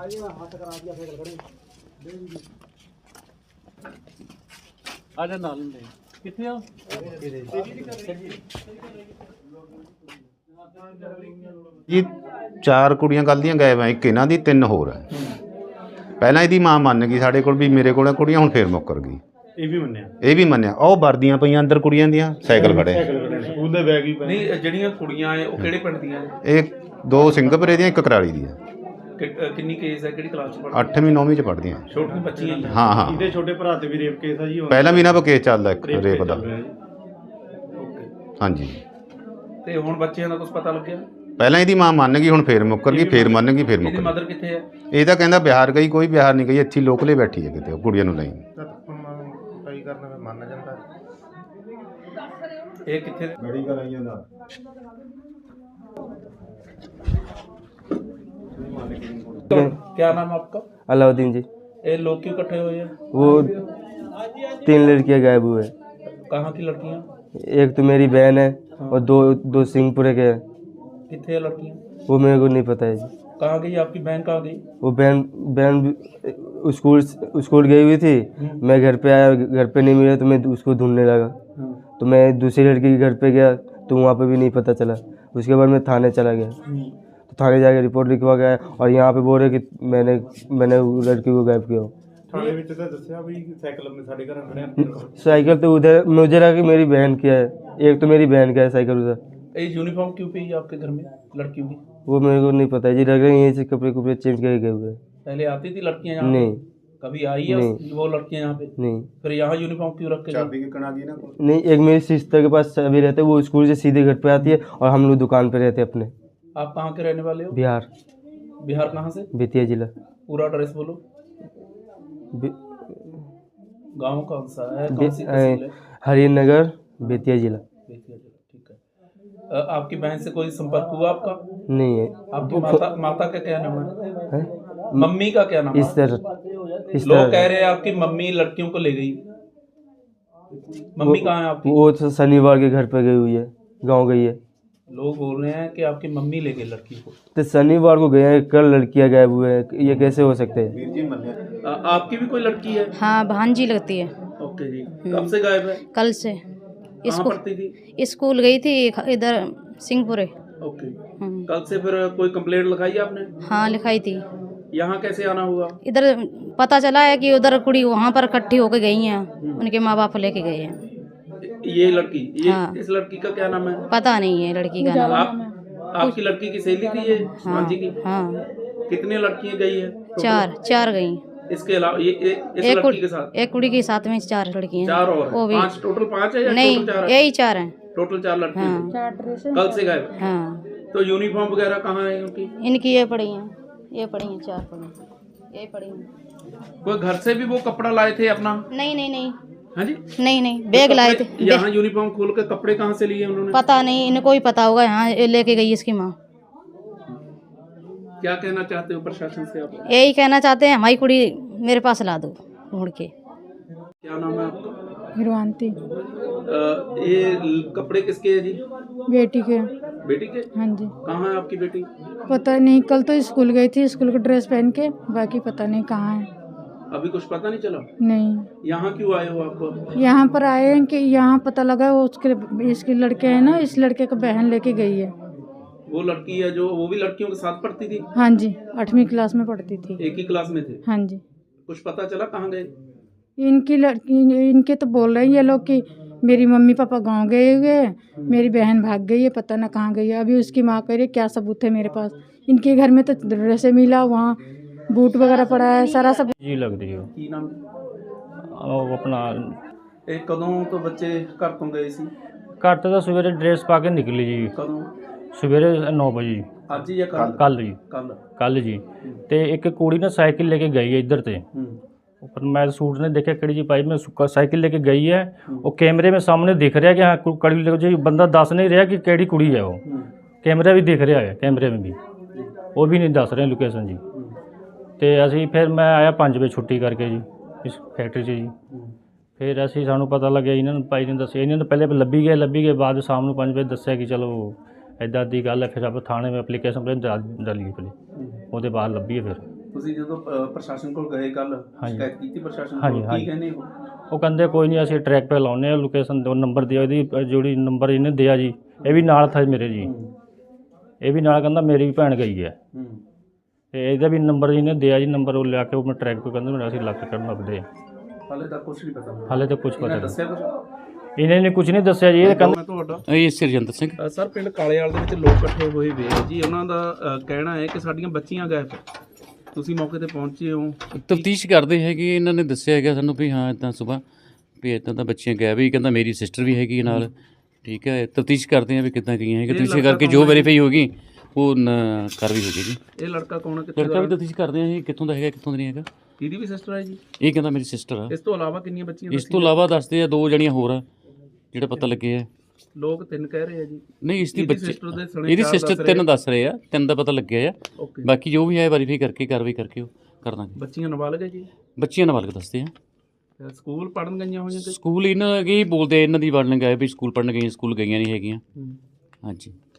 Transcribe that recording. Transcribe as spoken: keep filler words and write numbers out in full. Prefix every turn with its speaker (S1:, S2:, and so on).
S1: आजा नाल ले किथे हो
S2: जी चार कुड़ियां कल दियां गायब हैं, एक इन्हां दी तीन होर है। पहलां इहदी मां मन गई साडे कोल भी मेरे कोल कुड़ियां, हुण फिर मुक्कर गई।
S1: ਇਹ ਵੀ ਮੰਨਿਆ
S2: ਇਹ ਵੀ ਮੰਨਿਆ। ਉਹ ਵਰਦੀਆਂ ਪਈਆਂ ਅੰਦਰ ਕੁੜੀਆਂ ਦੀਆਂ, ਸਾਈਕਲ ਖੜੇ
S1: ਸਕੂਲ ਦੇ ਬੈਗ ਵੀ ਪਏ ਨਹੀਂ। ਜਿਹੜੀਆਂ ਕੁੜੀਆਂ ਐ ਉਹ ਕਿਹੜੇ ਪਿੰਡ ਦੀਆਂ ਐ?
S2: ਇਹ ਦੋ ਸਿੰਘਪੁਰੇ ਦੀਆਂ, ਇੱਕ ਕਰਾਲੀ ਦੀ ਹੈ।
S1: ਕਿੰਨੀ ਕੇਸ ਹੈ, ਕਿਹੜੀ ਕਲਾਸ ਚ ਪੜ੍ਹਦੀ?
S2: ਅੱਠਵੀਂ ਨੌਵੀਂ ਚ ਪੜ੍ਹਦੀਆਂ।
S1: ਛੋਟੀ ਬੱਚੀਆਂ ਹੀ
S2: ਹਾਂ ਹਾਂ।
S1: ਇਹਦੇ ਛੋਟੇ ਭਰਾ ਤੇ ਵੀ ਰੇਪ ਕੇਸ ਆ ਜੀ?
S2: ਪਹਿਲਾਂ ਵੀ ਇਹਨਾਂ ਕੋਲ ਕੇਸ ਚੱਲਦਾ ਇੱਕ ਰੇਪ ਦਾ। ਹਾਂਜੀ।
S1: ਤੇ ਹੁਣ ਬੱਚਿਆਂ ਦਾ ਕੁਝ ਪਤਾ ਲੱਗਿਆ?
S2: ਪਹਿਲਾਂ ਇਹਦੀ ਮਾਂ ਮੰਨ ਗਈ, ਹੁਣ ਫੇਰ ਮੁੱਕਰ ਗਈ, ਫੇਰ ਮੰਨ ਗਈ, ਫੇਰ ਮੁੱਕਰ ਗਈ।
S1: ਮਦਰ ਕਿੱਥੇ ਹੈ? ਇਹ
S2: ਤਾਂ ਕਹਿੰਦਾ ਬਿਹਾਰ ਗਈ, ਕੋਈ ਬਿਹਾਰ ਨਹੀਂ ਗਈ, ਇੱਥੇ ਲੋਕਲੇ ਬੈਠੀ ਹੈ ਕਿਤੇ, ਕੁੜੀਆਂ ਨੂੰ ਨਹੀਂ। ਕਰਨਾ ਮੰਨ ਜਾਂਦਾ।
S1: ਇਹ ਕਿੱਥੇ
S2: ਬੜੀ ਕਰਾਈਆਂ ਦਾ
S1: क्या नाम है आपका?
S3: अलाउद्दीन जी।
S1: ये लोग क्यों इकट्ठे हुए हैं?
S3: वो तीन लड़कियां गायब हुए।
S1: कहाँ की लड़कियाँ?
S3: एक तो मेरी बहन है और दो दो सिंहपुरे के हैं।
S1: कितने लड़कियाँ?
S3: वो मेरे को नहीं पता है जी।
S1: कहाँ गई आपकी बहन? कहाँ गई
S3: वो बहन बहन स्कूल स्कूल गई हुई थी। मैं घर पे आया, घर पे नहीं मिला तो मैं उसको ढूंढने लगा। तो मैं दूसरी लड़की के घर पे गया तो वहाँ पे भी नहीं पता चला। उसके बाद मैं थाने चला गया, तो थाने जाके रिपोर्ट लिखवा गया और यहाँ पे बोल रहे कि मैंने मैंने लड़की को गायब किया। साइकिल तो उधर मुझे लगा कि मेरी बहन की है, एक तो मेरी बहन का है साइकिल उधर।
S1: ये यूनिफॉर्म क्यों पे है आपके घर में लड़कियों की?
S3: वो मेरे को नहीं पता है जी, लग रहा है यहीं से कपड़े कुपड़े चेंज करके गए हुए।
S1: पहले आती थी लड़कियाँ यहाँ?
S3: नहीं।
S1: कभी आई है
S3: नहीं।
S1: वो लड़कियाँ यहाँ पे?
S3: नहीं।
S1: फिर यहाँ यूनिफॉर्म क्यों रख के?
S2: चाबी की कना दी ना।
S3: नहीं, एक मेरी सिस्टर के पास चाबी रहता है, वो स्कूल से सीधे घर पे आती है और हम लोग दुकान पे रहते हैं अपने।
S1: आप कहाँ के रहने वाले हो?
S3: बिहार।
S1: बिहार कहाँ से?
S3: बेतिया जिला।
S1: पूरा एड्रेस बोलो। गांव कौन सा है? कौन सी तहसील है?
S3: हरिनगर, बेतिया जिला।
S1: बेतिया जिला, ठीक है। अ, आपकी बहन से कोई संपर्क हुआ आपका?
S3: नहीं है।
S1: आपकी माता माता का क्या नाम है?
S3: है?
S1: मम्मी का क्या नाम है?
S3: इस तरह इस
S1: लोग
S3: तरह
S1: कह रहे हैं आपकी मम्मी लड़कियों को ले गई। मम्मी कहाँ है आपकी?
S3: वो तो शनिवार के घर पे गई हुई है, गांव गई है।
S1: लोग बोल रहे हैं कि आपकी मम्मी ले गई लड़की को।
S3: तो शनिवार को गए हैं, कल लड़कियां गायब हुए हैं, ये कैसे हो सकते हैं?
S1: आ, आपकी भी कोई लड़की है?
S4: हाँ, भांजी लगती है।
S1: ओके जी। कब से गायब है?
S4: कल से।
S1: कहाँ पढ़ती थी?
S4: स्कूल गई थी इधर सिंहपुरे।
S1: ओके। कल से फिर कोई कंप्लेंट लगाई आपने?
S4: हाँ, लिखाई थी।
S1: यहाँ कैसे आना हुआ?
S4: इधर पता चला है कि उधर कुड़ी वहाँ पर इकट्ठी होकर गई हैं, उनके माँ बाप लेके गए हैं।
S1: ये लड़की ये
S4: हाँ।
S1: इस लड़की का क्या नाम है?
S4: पता नहीं है लड़की का नाम।
S1: आप आपकी लड़की की सहेली थी ये?
S4: हाँ,
S1: जी की?
S4: हाँ।
S1: कितनी लड़कियां गई है?
S4: चार चार गई।
S1: इसके अलावा ये, ये इस
S4: एक
S1: लड़की के साथ
S4: एक कुड़ी के साथ में चार लड़कियां।
S1: चार और
S4: वो भी
S1: पांच टोटल पांच है या
S4: नहीं,
S1: टोटल चार है?
S4: यही चार हैं।
S1: टोटल चार लड़कियां
S4: हाँ।
S1: कल से गायब।
S4: हाँ।
S1: तो यूनिफॉर्म वगैरह कहाँ है इनकी?
S4: इनकी ये पड़ी हैं, ये पड़ी हैं, चार पड़ी हैं, ये पड़ी हैं।
S1: कोई घर से भी वो कपड़ा लाए थे अपना?
S4: नहीं नहीं नहीं।
S1: हाँ जी?
S4: नहीं नहीं, बैग लाए थे।
S1: यहाँ यूनिफॉर्म खोल के कपड़े कहाँ से लिए उन्होंने?
S4: पता नहीं, इनको ही पता होगा, यहाँ लेके गई इसकी माँ।
S1: क्या कहना चाहते हो प्रशासन से आप?
S4: यही कहना चाहते हैं हमारी कुड़ी मेरे पास ला दो ढूंढ के।
S1: क्या नाम है आपका?
S5: हिरवांती।
S1: ये कपड़े किसके हैं जी?
S5: बेटी के।
S1: बेटी के?
S5: हाँ जी।
S1: कहाँ है आपकी बेटी?
S5: पता नहीं, कल तो स्कूल गई थी स्कूल का ड्रेस पहन के, बाकी पता नहीं कहाँ है।
S1: अभी कुछ पता नहीं चला?
S5: नहीं।
S1: यहाँ क्यों आए हो आप?
S5: यहाँ पर आए हैं कि यहाँ पता लगा वो उसके इसके लड़के हैं ना, इस लड़के का बहन लेके गई है।
S1: वो लड़की है जो वो भी लड़कियों के साथ पढ़ती थी?
S5: हाँ जी, आठवीं क्लास में पढ़ती थी।
S1: एक ही क्लास में थे?
S5: हाँ जी।
S1: कुछ पता चला कहाँ गए?
S5: इनकी लड़की इनके तो बोल रहे हैं ये लोग कि मेरी मम्मी पापा गांव गए हुए हैं, मेरी बहन भाग गई है, पता ना कहाँ गई है। अभी उसकी माँ कह रही है क्या सबूत है मेरे पास? इनके घर में तो ड्रेसें मिला, वहाँ बूट वगैरह पड़ा है, सारा सब
S6: जी लग रही हो
S1: की नाम
S6: ਉਹ ਆਪਣਾ
S1: ਇਹ ਕਦੋਂ ਤੋਂ ਬੱਚੇ ਘਰ ਤੋਂ ਗਏ ਸੀ?
S6: ਘਰ ਤੋਂ ਤਾਂ ਸਵੇਰੇ ਡਰੈਸ ਪਾ ਕੇ ਨਿਕਲੀ ਜੀ,
S1: ਕਦੋਂ?
S6: ਸਵੇਰੇ ਨੌ ਵਜੇ।
S1: ਅੱਜ ਜਾਂ ਕੱਲ?
S6: ਕੱਲ ਜੀ,
S1: ਕੱਲ
S6: ਕੱਲ ਜੀ। ਤੇ ਇੱਕ ਕੁੜੀ ਨਾ ਸਾਈਕਲ ਲੈ ਕੇ ਗਈ ਹੈ ਇੱਧਰ ਤੇ, पर मैं सूट ने देखा कड़ी जी पाई में साइकिल लेके गई है, वो कैमरे में सामने दिख रहा है कि हाँ कड़ी लेके जी, बंदा दस नहीं रहा कि केड़ी कुड़ी है, वो कैमरा भी दिख रहा है, कैमरे में भी वो भी नहीं दस रहे लोकेशन जी। तो असी फिर मैं आया पाँच बजे छुट्टी करके जी इस फैक्ट्री से जी। फिर असी सानू पता लगे इन्होंने भाई ने दस इन्होंने पहले लभी गए लभी गए बाद शाम को पाँच बजे दसिया कि चलो इदा दी गल है। फिर आप थाने में एप्लीकेशन पर डालिए पहले वो बाद लभी है। फिर
S1: ਤੁਸੀਂ ਜਦੋਂ ਅ, ਪ੍ਰਸ਼ਾਸਨ ਕੋਲ ਗਏ ਕੱਲ
S6: ਹਾਂਜੀ।
S1: ਸ਼ਿਕਾਇਤ ਕੀਤੀ ਪ੍ਰਸ਼ਾਸਨ
S6: ਹਾਂਜੀ,
S1: ਕੋਲ, ਕੀ
S6: ਹਾਂਜੀ।
S1: ਕਹਿੰਦੇ ਹੋ?
S6: ਉਹ ਕਹਿੰਦੇ ਕੋਈ ਨਹੀਂ ਅਸੀਂ ਟਰੈਕ पे ਲਾਉਨੇ ਆ ਲੋਕੇਸ਼ਨ ਦੋ ਨੰਬਰ ਦਿਓ ਇਹਦੀ ਅ, ਜਿਹੜੀ ਨੰਬਰ ਇਹਨੇ ਦਿਆ ਜੀ ਇਹ ਵੀ ਨਾਲ ਥਾ ਮੇਰੇ ਜੀ
S1: ਹੂੰ
S6: ਇਹ ਵੀ ਨਾਲ ਕਹਿੰਦਾ ਮੇਰੀ ਵੀ ਭੈਣ ਗਈ ਹੈ
S1: ਹੂੰ
S6: ਤੇ ਇਹਦਾ ਵੀ ਨੰਬਰ ਇਹਨੇ ਦਿਆ ਜੀ ਨੰਬਰ ਉਹ ਲਿਆ ਕੇ ਉਹ ਮੈਂ ਟਰੈਕ पे ਕਹਿੰਦੇ ਮੇਰਾ ਅਸੀਂ ਲੱਗ ਕਰਨ ਲੱਗਦੇ ਆ।
S1: ਹਾਲੇ ਤੱਕ ਕੁਝ ਨਹੀਂ ਪਤਾ
S6: ਹਾਲੇ ਤਾਂ ਕੁਝ ਪਤਾ
S1: ਇਹਨਾਂ
S6: ਨਹੀਂ
S1: ਦੱਸਿਆ ਕੁਝ?
S6: ਇਹਨੇ ਨੇ ਕੁਝ ਨਹੀਂ ਦੱਸਿਆ ਜੀ ਇਹ ਕਹਿੰਦਾ
S1: ਮੈਂ ਤੁਹਾਡਾ
S7: ਇਹ ਸਿਰਜੰਦਰ ਸਿੰਘ
S1: ਅ, ਸਰ ਪਿੰਡ ਕਾਲੇਵਾਲ ਦੇ ਵਿੱਚ ਲੋਕ ਇਕੱਠੇ ਹੋਏ ਵੇ ਆ ਜੀ, ਉਹਨਾਂ ਦਾ ਅ, ਕਹਿਣਾ ਹੈ ਕਿ ਸਾਡੀਆਂ ਬੱਚੀਆਂ ਗਾਇਬ ਹੈ। ਤੁਸੀਂ ਮੌਕੇ ਤੇ ਪਹੁੰਚੇ ਹੋ?
S7: ਤਫਤੀਸ਼ ਕਰਦੇ ਹੈਗੇ, ਇਹਨਾਂ ਨੇ ਦੱਸਿਆ ਹੈਗਾ ਸਾਨੂੰ ਵੀ ਹਾਂ ਇੱਦਾਂ ਸੁਬਾਹ ਵੀ ਇੱਦਾਂ ਤਾਂ ਬੱਚੀਆਂ ਗਾਇਬ ਹੀ, ਕਹਿੰਦਾ ਮੇਰੀ ਸਿਸਟਰ ਵੀ ਹੈਗੀ ਨਾਲ। ਠੀਕ ਹੈ, ਤਫਤੀਸ਼ ਕਰਦੇ ਆ ਵੀ ਕਿੱਦਾਂ ਗਈਆਂ ਹੈਗੀਆਂ,
S1: ਇਹ
S7: ਤਫਤੀਸ਼
S1: ਲੜਕਾ
S7: ਕਰਕੇ
S1: ਕੌਣ
S7: ਜੋ
S1: ਹੈ?
S7: ਵੈਰੀਫਾਈ ਹੋਗੀ ਉਹ ਨ- ਕਾਰਵਾਈ ਹੋ ਜਾਏਗੀ।
S1: ਇਹ ਲੜਕਾ ਕੌਣ ਹੈ, ਕਿੱਥੇ
S7: ਲੜਕਾ
S1: ਦਾ?
S7: ਵੀ ਤਫਤੀਸ਼ ਕਰਦੇ ਆ ਇਹ ਕਿੱਥੋਂ ਦਾ ਹੈਗਾ ਕਿੱਥੋਂ ਦਾ ਨਹੀਂ ਹੈਗਾ।
S1: ਇਹਦੀ ਵੀ ਸਿਸਟਰ ਹੈ ਜੀ?
S7: ਇਹ ਕਹਿੰਦਾ ਮੇਰੀ ਸਿਸਟਰ ਆ।
S1: ਇਸ ਤੋਂ ਇਲਾਵਾ ਕਿੰਨੀਆਂ ਬੱਚੀਆਂ
S7: ਇਸ ਤੋਂ ਇਲਾਵਾ ਦੱਸਦੇ ਆ ਦੋ ਜਣੀਆਂ ਹੋਰ ਆ ਜਿਹੜਾ ਪਤਾ ਲੱਗੇ ਆ।
S1: ਲੋਕ ਤਿੰਨ ਕਹਿ ਰਹੇ ਆ ਜੀ।
S7: ਨਹੀਂ ਇਸ ਦੀ
S1: ਇਹਦੀ
S7: ਬੱਚੀ
S1: sister ਦੇ ਸਣੇ
S7: ਇਹਦੀ
S1: ਚਾਰ
S7: ਸਿਸਟਰ
S1: ਦੱਸ ਰਹੇ
S7: ਤਿੰਨ ਦੱਸ ਰਹੇ ਆ, ਤਿੰਨ ਦਾ ਪਤਾ ਲੱਗਿਆ ਆ।
S1: ਓਕੇ।
S7: ਬਾਕੀ ਜੋ ਵੀ ਹੈ ਵੈਰੀਫਾਈ ਕਰਕੇ ਕਾਰਵਾਈ ਕਰਕੇ ਉਹ ਕਰ ਦਾਂਗੇ।
S1: ਬੱਚੀਆਂ ਨਾਬਾਲਗ ਹੈ ਜੀ?
S7: ਬੱਚੀਆਂ ਨਾਬਾਲਗ ਦੱਸਦੇ ਆ।
S1: ਅ, ਸਕੂਲ ਪੜਨ ਗਈਆਂ ਹੋਈਆਂ ਕਿ?
S7: ਸਕੂਲ ਇਹਨਾਂ ਕੀ ਬੋਲਦੇ ਆ, ਇਹਨਾਂ ਦੀ ਵਰਣਨ ਗਏ ਵੀ ਸਕੂਲ ਪੜਨ ਗਈਆਂ, ਸਕੂਲ ਗਈਆਂ ਨਹੀਂ ਹੈਗੀਆਂ।
S1: ਹੂੰ।
S7: ਹਾਂਜੀ।